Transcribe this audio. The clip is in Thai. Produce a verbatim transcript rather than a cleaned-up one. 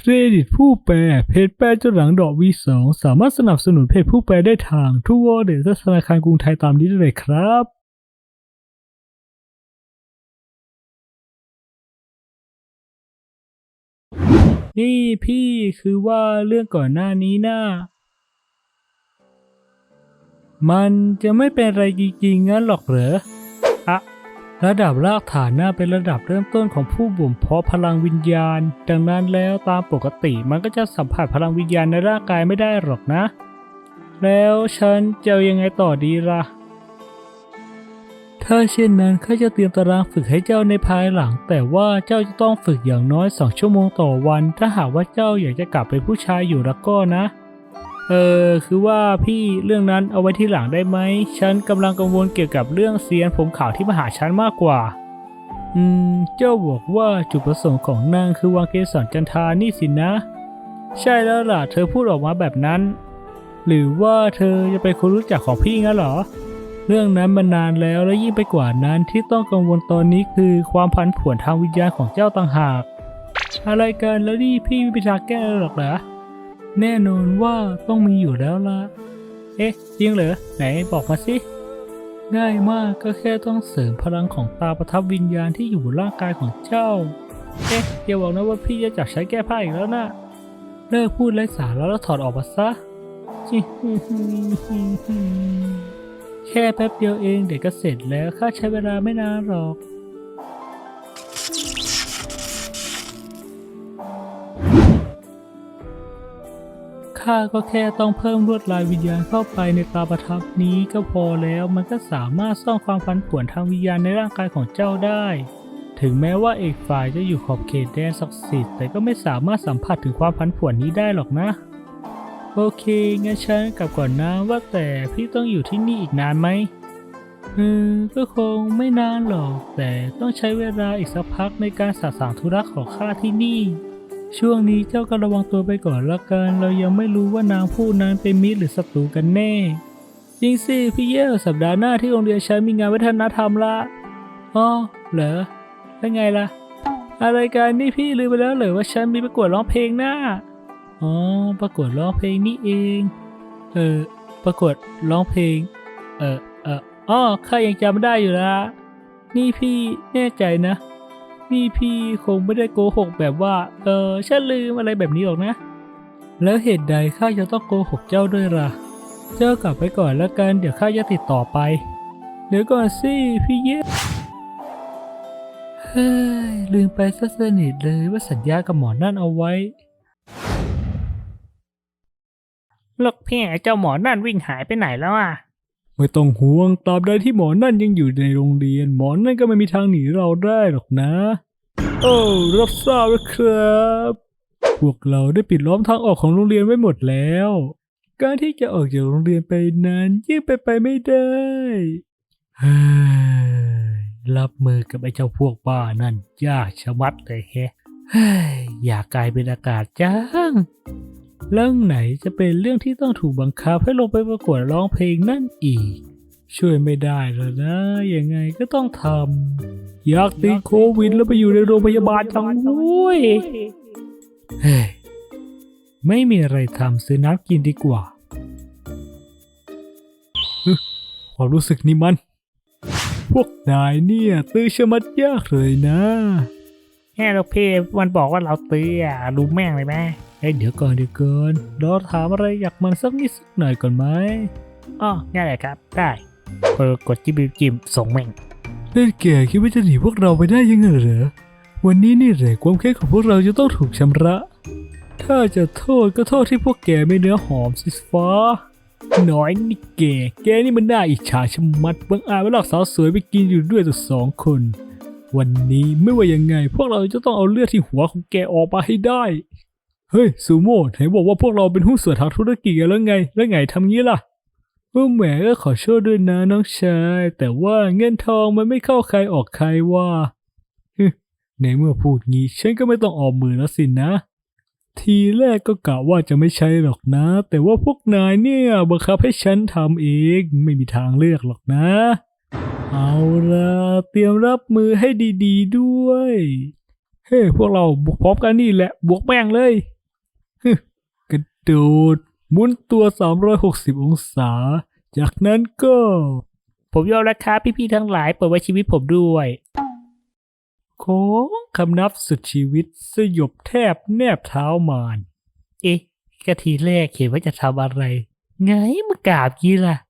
เครดิตผู้แปลเพจแปลจนหลังดอก วี สอง สามารถสนับสนุนเพจผู้แปลได้ทางทูวอลเล็ตและธนาคารกรุงไทยตามนี้ได้เลยครับ นี่พี่คือว่าเรื่องก่อนหน้านี้นะ่ะมันจะไม่เป็นไรจริงๆงั้นหรอกเหรออะระดับรากฐานน่าเป็นระดับเริ่มต้นของผู้บ่มเพาะพลังวิญญาณ ดังนั้นแล้วตามปกติมันก็จะสัมผัสพลังวิญญาณในร่างกายไม่ได้หรอกนะ แล้วฉันจะเอายังไงต่อดีล่ะ ถ้าเช่นนั้นข้าจะเตรียมตารางฝึกให้เจ้าในภายหลัง แต่ว่าเจ้าจะต้องฝึกอย่างน้อยสองชั่วโมงต่อวัน ถ้าหากว่าเจ้าอยากจะกลับเป็นผู้ชายอยู่แล้วก็นะ เออคือว่าพี่เรื่องนั้นเอาไว้ที่หลังได้ไหม ฉันกำลังกังวลเกี่ยวกับเรื่องเซียนผมขาวที่มาหาฉันมากกว่า อืม เจ้าบอกว่าจุดประสงค์ของนางคือวางเกสรจันทรานี่สินะ ใช่แล้วล่ะ เธอพูดออกมาแบบนั้น หรือว่าเธอจะเป็นคนรู้จักของพี่งั้นเหรอ เรื่องนั้นมันนานแล้วและยิ่งไปกว่านั้นที่ต้องกังวลตอนนี้คือความผันผวนทางวิญญาณของเจ้าต่างหาก อะไรกันแล้วนี่พี่ไม่มีทางแก้หรอกเหรอ แน่นอนว่าต้องมีอยู่แล้วล่ะ เอ๊ะจริงเหรอไหนบอกมาสิ ง่ายมากก็แค่ต้องเสริมพลังของตาประทับวิญญาณที่อยู่บนร่างกายของเจ้า เอ๊ะอย่าบอกนะว่าพี่จะจับใช้แก้ผ้าอีกแล้วนะเลิกพูดไร้สาระแล้วถอดออกมาซะ แค่แป๊บเดียวเองเด็กก็เสร็จแล้วข้าใช้เวลาไม่นานหรอกข้าก็แค่ต้องเพิ่มลวดลายวิญญาณเข้าไปในตาประทับนี้ก็พอแล้วมันก็สามารถสร้างความผันผวนทางวิญญาณในร่างกายของเจ้าได้ถึงแม้ว่าเอกฝ่ายจะอยู่ขอบเขตแดนศักดิ์สิทธิ์แต่ก็ไม่สามารถสัมผัสถึงความผันผวนนี้ได้หรอกนะโอเคงั้นฉันกลับก่อนนะว่าแต่พี่ต้องอยู่ที่นี่อีกนานไหมเออก็คงไม่นานหรอกแต่ต้องใช้เวลาอีกสักพักในการสะสางธุระของข้าที่นี่ช่วงนี้เจ้าก็ระวังตัวไปก่อนละกันเรายังไม่รู้ว่านางผู้นั้นเป็นมิตรหรือศัตรูกันแน่จริงสิพี่เย่สัปดาห์หน้าที่โรงเรียนฉันมีงานวัฒนธรรมละอ๋อเหรอแล้วไงล่ะอะไรกันนี่พี่ลืมไปแล้วเหรอว่าฉันมีประกวดร้องเพลงหน้าอ๋อประกวดร้องเพลงนี่เองเออประกวดร้องเพลงเออเอออ๋อข้ายังจำได้อยู่ละนี่พี่แน่ใจนะนี่พี่คงไม่ได้โกหกแบบว่าเออฉันลืมอะไรแบบนี้หรอกนะแล้วเหตุใดข้าจะต้องโกหกเจ้าด้วยล่ะเจ้ากลับไปก่อนแล้วกันเดี๋ยวข้าจะติดต่อไปเดี๋ยวก่อนสิพี่เย่เฮ้ยลืมไปซะสนิทเลยว่าสัญญากับหมอนั่นเอาไว้ลูกพี่เจ้าหมอนั่นวิ่งหายไปไหนแล้วอ่ะไม่ต้องห่วงตราบใดที่หมอนั่นยังอยู่ในโรงเรียนหมอนั่นก็ไม่มีทางหนีเราได้หรอกนะโอ้รับทราบแล้วครับพวกเราได้ปิดล้อมทางออกของโรงเรียนไว้หมดแล้วการที่จะออกจากโรงเรียนไปนั้นยิ่งไปไปไม่ได้เฮ้ยรับมือกับไอ้เจ้าพวกบ้านั่นยากชะมัดเลยแฮะเฮ้ยอยากกลายเป็นอากาศจังเรื่องไหนจะเป็นเรื่องที่ต้องถูกบังคับให้ลงไปประกวดร้องเพลงนั่นอีกช่วยไม่ได้แล้วนะยังไงก็ต้องทำอยากติดโควิดแล้วไปอยู่ในโรงพยาบาลจังเว้ยเฮ้ยไม่มีอะไรทำซื้อน้ำกินดีกว่าความรู้สึกนี่มันพวกนายเนี่ยตื้อชะมัดยากเลยนะแค่เราเพมันบอกว่าเราตื้ออ่ะรู้แม่งเลยแม่เอ้ยเดี๋ยวก่อนเดี๋ยวก่อนเราถามอะไรอยากมันสักนิดสักหน่อยก่อนไหมอ๋อง่ายเลยครับได้กดกดจิ้มจิ้มส่งแม่งเล่นแก่คิดว่าจะหนีพวกเราไปได้ยังไงเหรอวันนี้นี่แหละความแค้นของพวกเราจะต้องถูกชำระถ้าจะโทษก็โทษที่พวกแกไม่เนื้อหอมสิฟ้าน้อยนี่แกแกนี่มันน่าอิจฉาชะมัดบังอาจไปหลอกสาวสวยไปกินอยู่ด้วยตัวสองคนวันนี้ไม่ว่ายังไงพวกเราจะต้องเอาเลือดที่หัวของแกออกมาให้ได้เฮ้ยซูโม่ไหนบอกว่าพวกเราเป็นหุ้นส่วนทางธุรกิจกันแล้วไงแล้วไงทำงี้ล่ะเออแหมก็ขอโทษด้วยนะน้องชายแต่ว่าเงินทองมันไม่เข้าใครออกใครว่าในเมื่อพูดงี้ฉันก็ไม่ต้องออกมือแล้วสินะทีแรกก็กะว่าจะไม่ใช่หรอกนะแต่ว่าพวกนายเนี่ยบังคับให้ฉันทำเองไม่มีทางเลือกหรอกนะเอาล่ะเตรียมรับมือให้ดีๆด้วยเฮ้พวกเราบุกพร้อมกันนี่แหละบวกแม่งเลยฮึกระโดดหมุนตัวสามร้อยหกสิบองศา จากนั้นก็ ผมยอมแล้วครับพี่ๆทั้งหลายโปรดไว้ชีวิตผมด้วยโค้งคำนับสุดชีวิตสยบแทบแนบเท้ามารเอ๊ะกะทีแรกเห็นว่าจะทำอะไร ไงมากราบยี่ล่ะ